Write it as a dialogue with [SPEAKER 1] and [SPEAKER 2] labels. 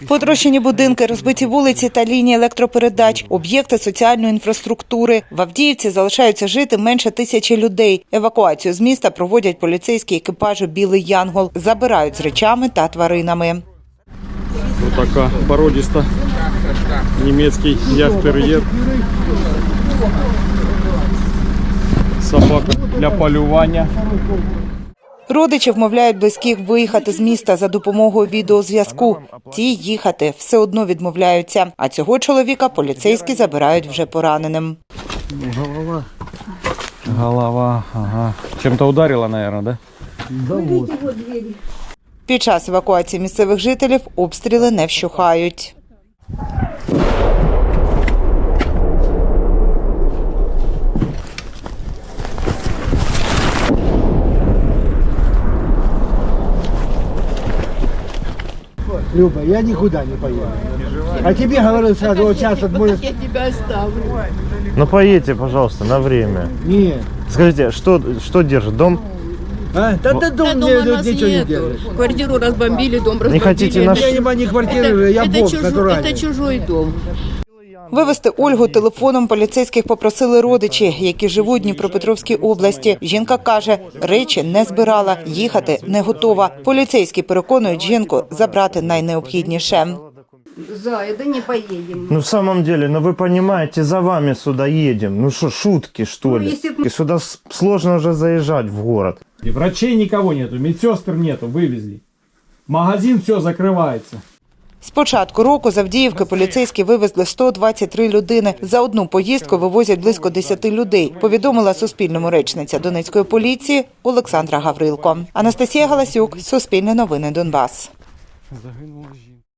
[SPEAKER 1] Потрощені будинки, розбиті вулиці та лінії електропередач, об'єкти соціальної інфраструктури. В Авдіївці залишаються жити менше 1000 людей. Евакуацію з міста проводять поліцейські екіпажі «Білий Янгол». Забирають з речами та тваринами.
[SPEAKER 2] Ось така породиста німецький ястер'єр. Собака для полювання.
[SPEAKER 1] Родичі вмовляють близьких виїхати з міста за допомогою відеозв'язку. Ті їхати все одно відмовляються. А цього чоловіка поліцейські забирають вже пораненим.
[SPEAKER 2] Голова, ага. Чим-то ударила, мабуть, да?
[SPEAKER 3] Да вот.
[SPEAKER 1] Під час евакуації місцевих жителів обстріли не вщухають.
[SPEAKER 3] Люба, я никуда не поеду. А тебе говорю сразу, вот сейчас вот может...
[SPEAKER 4] Я тебя оставлю.
[SPEAKER 5] Ну поедьте, пожалуйста, на время.
[SPEAKER 3] Нет.
[SPEAKER 5] Скажите, что держит дом?
[SPEAKER 3] А? Да дом
[SPEAKER 4] Да,
[SPEAKER 3] мне
[SPEAKER 4] дома нас
[SPEAKER 3] ничего не
[SPEAKER 4] нету.
[SPEAKER 3] делаешь.
[SPEAKER 4] Квартиру разбомбили, дом разбомбили.
[SPEAKER 5] хотите наш-
[SPEAKER 3] Я не квартиры, я бог натуральный.
[SPEAKER 4] это чужой дом.
[SPEAKER 1] Вивезти Ольгу телефоном поліцейських попросили родичі, які живуть в Дніпропетровській області. Жінка каже, речі не збирала, їхати не готова. Поліцейські переконують жінку забрати найнеобхідніше.
[SPEAKER 4] Зая, да не поедем.
[SPEAKER 5] Ну в самом деле, ну вы понимаете, за вами сюда едем. Ну что, шутки что ли?
[SPEAKER 4] если
[SPEAKER 5] И сюда сложно уже заезжать в город.
[SPEAKER 2] И врачей никого нету, медсестр нету, вывезли. Магазин все закрывается.
[SPEAKER 1] З початку року з Авдіївки поліцейські вивезли 123 людини. За одну поїздку вивозять близько 10 людей, повідомила Суспільному речниця Донецької поліції Олександра Гаврилко. Анастасія Галасюк, Суспільне новини, Донбас.
[SPEAKER 2] Загинула жінка.